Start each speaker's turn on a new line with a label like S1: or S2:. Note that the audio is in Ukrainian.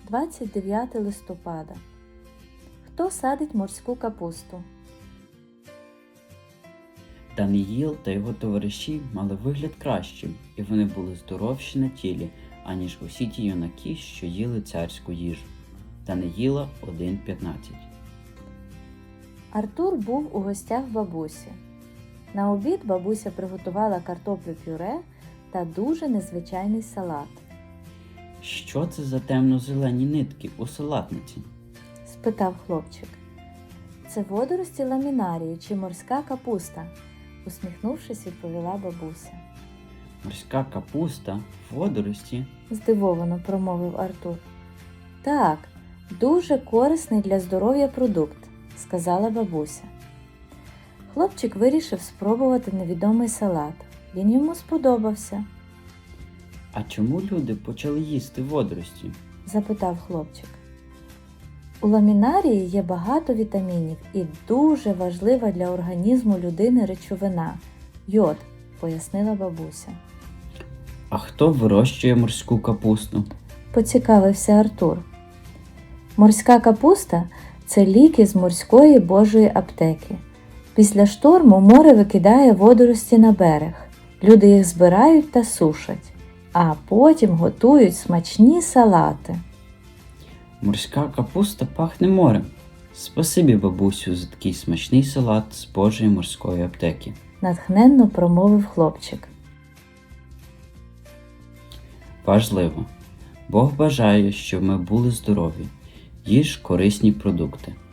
S1: 29 листопада. Хто садить морську капусту?
S2: Даниїл та його товариші мали вигляд кращим, і вони були здоровші на тілі, аніж усі ті юнаки, що їли царську їжу. Даниїла 1.15.
S1: Артур був у гостях в бабусі. На обід бабуся приготувала картоплю пюре та дуже незвичайний салат.
S2: Що це за темно-зелені нитки у салатниці?
S1: Спитав хлопчик. Це водорості ламінарії чи морська капуста, усміхнувшись, відповіла бабуся.
S2: Морська капуста, водорості.
S1: Здивовано промовив Артур. Так, дуже корисний для здоров'я продукт, сказала бабуся. Хлопчик вирішив спробувати невідомий салат. Він йому сподобався,
S2: А чому люди почали їсти водорості?
S1: запитав хлопчик. У ламінарії є багато вітамінів і дуже важлива для організму людини речовина – йод, пояснила бабуся.
S2: А хто вирощує морську капусту?
S1: Поцікавився Артур. Морська капуста – це ліки з морської божої аптеки. Після шторму море викидає водорості на берег. Люди їх збирають та сушать, а потім готують смачні салати.
S2: Морська капуста пахне морем. Спасибі, бабусю, за такий смачний салат з Божої морської аптеки.
S1: Натхненно промовив хлопчик.
S2: Важливо. Бог бажає, щоб ми були здорові. Їж корисні продукти.